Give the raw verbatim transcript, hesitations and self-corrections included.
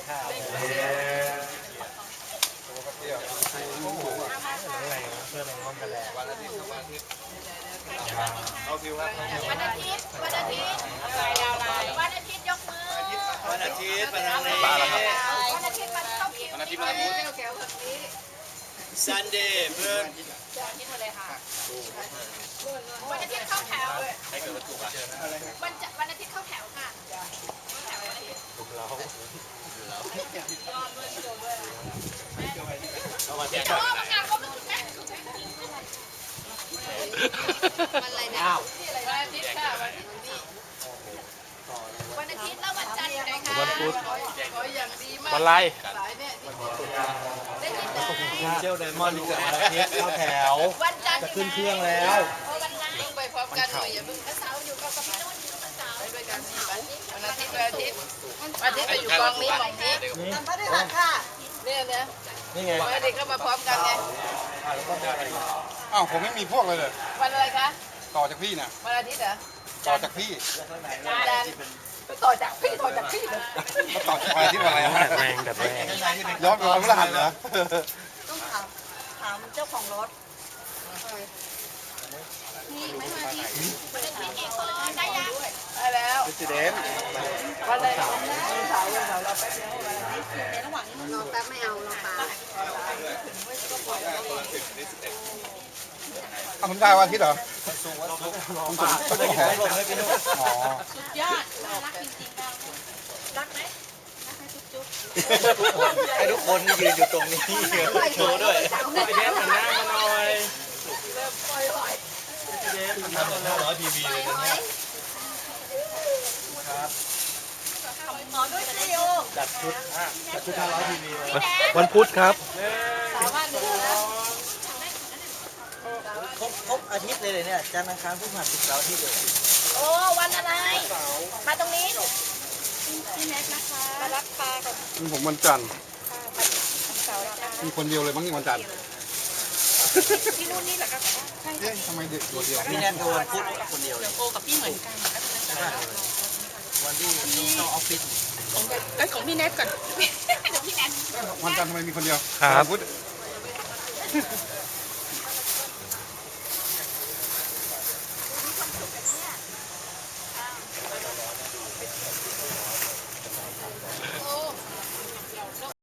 ข้าวเพื่อนน้องกันแหละวันอาทิตย์วันอาทิตย์เอาฟิวครับวันอาทิตย์วันอาทิตย์ลายดาวลายวันอาทิตย์ยกมือวันอาทิตย์วันอาทิตย์วันอาทิตย์มันเข้าคิววันอาทิตย์มันเข้าแถวแบบนี้ Sunday เพื่อนวันอาทิตย์มาเลยค่ะวันอาทิตย์เข้าแถวใครเกิดวันศุกร์อ่ะวันวันอาทิตย์เข้าแถวค่ะเข้าแถววันอาทิตย์ถูกแล้วยอดด้วยโดด้วยเอามาแจกโอ้ประกาศความรู้สึกแม่มันอะไรเนี่ยวันอาทิตย์ค่ะวันอาทิตย์นี่วันอาทิตย์แล้ววันจันทร์อยู่ไหนคะวันพุธวันไรได้ยินไหมเจลไดมอนด์เกิดวันอาทิตย์เข้าแถวจะขึ้นเครื่องแล้ววันไหนไปพร้อมกันเลยอย่าเพิ่งวันเสาร์อยู่กับพี่นุ่นอยู่วันเสาร์ไปด้วยกันวันอาทิตย์วันอาทิตย์วันอาทิตย์ไปอยู่กองนี้กองนี้ทำพระฤหัสค่ะเนี่ยเนี่ยนี่ไงวันอาทิตย์ก็มาพร้อมกันไงอ้าวผมไม่มีพวกเลยเลยวันอะไรคะต่อจากพี่น่ะวันอาทิตย์เหรอต่อจากพี่ต่อจากพี่ต่อจากพี่ก็ต่อจากอะไรที่อะไรดัดแรงดัดแรงย้อนไปวันพฤหัสเหรอต้องถามถามเจ้าของรถนี่ไม่มาที่วันอาทิตย์เองได้ยังได้แล้วดิจิเดนวันอะไรวันเสาร์วันเสาร์เราแป๊บเดียวในระหว่างนี้นอนแป๊บไม่เอาเราตาอ้าวผมได้วันอาทิตย์เหรอผมส่งผมส่งอ๋อสุดยอดรักจริงๆเรารักไหมรักไหมจุ๊บให้ทุกคนยืนอยู่ตรงนี้โชว์ด้วยไปเดฟหันหน้ามาหน่อยเดฟหันหน้ามาร้อยทีวีเลยนะครับหมอด้วยสิโอจัดชุดจัดชุดห้าร้อยทีวีวันพุธครับครบครบอาทิตย์เลยเลยเนี่ยจันทร์อังคารพุธพฤหัสศุกร์เสาร์อาทิตย์เลยโอ้วันอะไรมาตรงนี้พี่แม็กนะคะมารับปลาก่อนผมวันจันทร์มีคนเดียวเลยมั้งวันจันทร์ที่นู่นนี่แหละครับเอ๊ะทำไมเด็กตัวเดียวพี่แนนตัววันพุธคนเดียวเลยโอกับพี่เหมือนกันวันที่เข้าออฟฟิศเอ้ยของพี่แนทก่อนเดี๋ยวพี่แนทวันจันทร์ทำไมมีคนเดียวครับ